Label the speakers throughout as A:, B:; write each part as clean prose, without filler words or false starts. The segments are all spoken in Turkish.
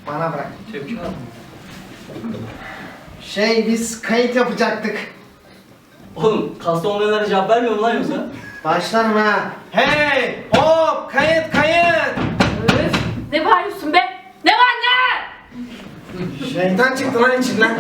A: Bana bırak.
B: Tepki var mı?
A: Biz kayıt yapacaktık.
B: Oğlum kasta olmayanlara cevap vermiyor mu lan yoksa?
A: Başlarım ha. Hey! Hop! Kayıt!
C: Öf, ne bağırıyorsun be? Ne var ne?
A: Şeytan çıktı lan içinden.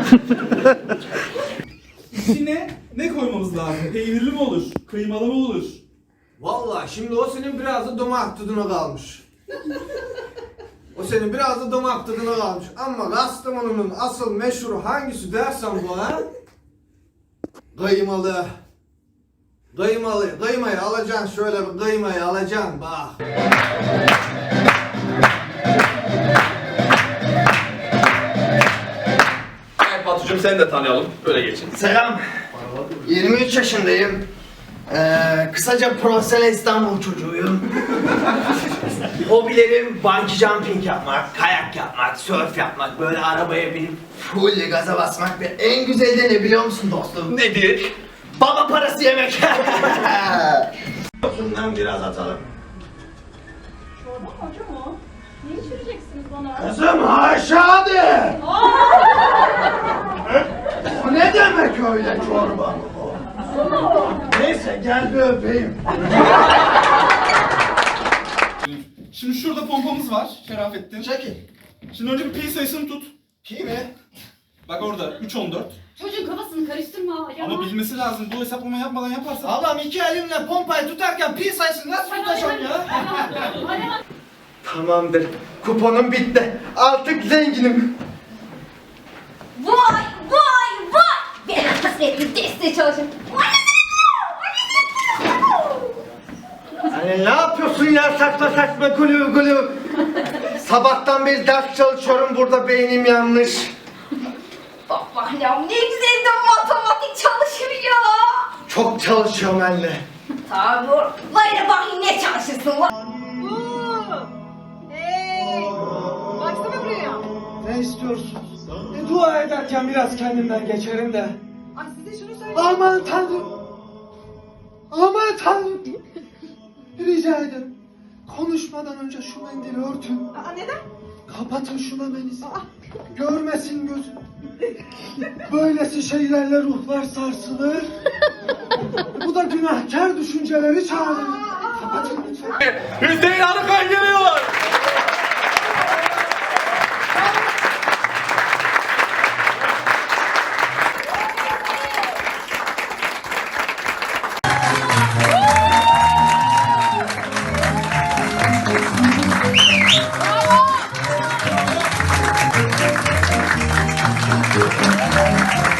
D: İçine ne koymamız lazım? Peynirli mi olur? Kıymalı mı olur?
E: Vallahi şimdi o senin biraz da damak tadına kalmış. O senin biraz da damak tadına kalmış. Ama Kastamonu'nun asıl meşhuru hangisi dersen bana? Kıymalı. Kıymayı alacaksın, şöyle bir kıymayı alacaksın bak.
F: Evet Batucuğum seni de tanıyalım. Öyle geçin.
A: Selam. 23 yaşındayım. Kısaca profesyonel İstanbul çocuğuyum. Hobilerim bungee jumping yapmak, kayak yapmak, surf yapmak, böyle arabaya binip full gaza basmak ve en güzeli de ne biliyor musun dostum?
F: Nedir?
A: Baba parası yemek. Bundan biraz atalım.
C: Çorba mı hocam o? Ne içireceksiniz bana?
A: Kızım haşa de. O ne demek öyle çorba mı o? Neyse gel bir öpeyim.
D: Şimdi şurada pompamız var Şerafettin.
A: Çekil.
D: Şimdi önce bir pi sayısını tut.
A: Pi mi?
D: Bak orada 3-14.
C: Çocuğun kafasını karıştırma. Ya.
D: Ama bilmesi lazım. Bu hesaplama yapmadan yaparsan.
A: Allah'ım iki elimle pompayı tutarken pi sayısını nasıl tutacağım ya? Tamamdır. Kuponum bitti. Artık zenginim.
C: Vay vay vay! Ben kasvetli desteği çalışın.
A: Hani ne yapıyorsun ya saçma saçma gülü gülü? Sabahtan beri ders çalışıyorum burada beynim yanmış.
C: Bak bak ya ne güzel de matematik çalışır ya.
A: Çok çalışıyorum anne.
C: Tamam dur. Böyle bakayım ne çalışırsın lan.
G: Baksana buraya.
A: Ne istiyorsun? Dua ederken biraz kendimden geçerim de.
G: Ay size şunu söyleyeyim.
A: Aman tanrım. Aman tanrım. Rica ederim. Konuşmadan önce şu mendili örtün.
G: Aa neden?
A: Kapatın şu memenizi. Görmesin gözüm. Böylesi şeylerle ruhlar sarsılır. Bu da günahkar düşünceleri çağırır. Kapatın lütfen.
F: Hüseyin Arıkan geliyor.
C: Bravo!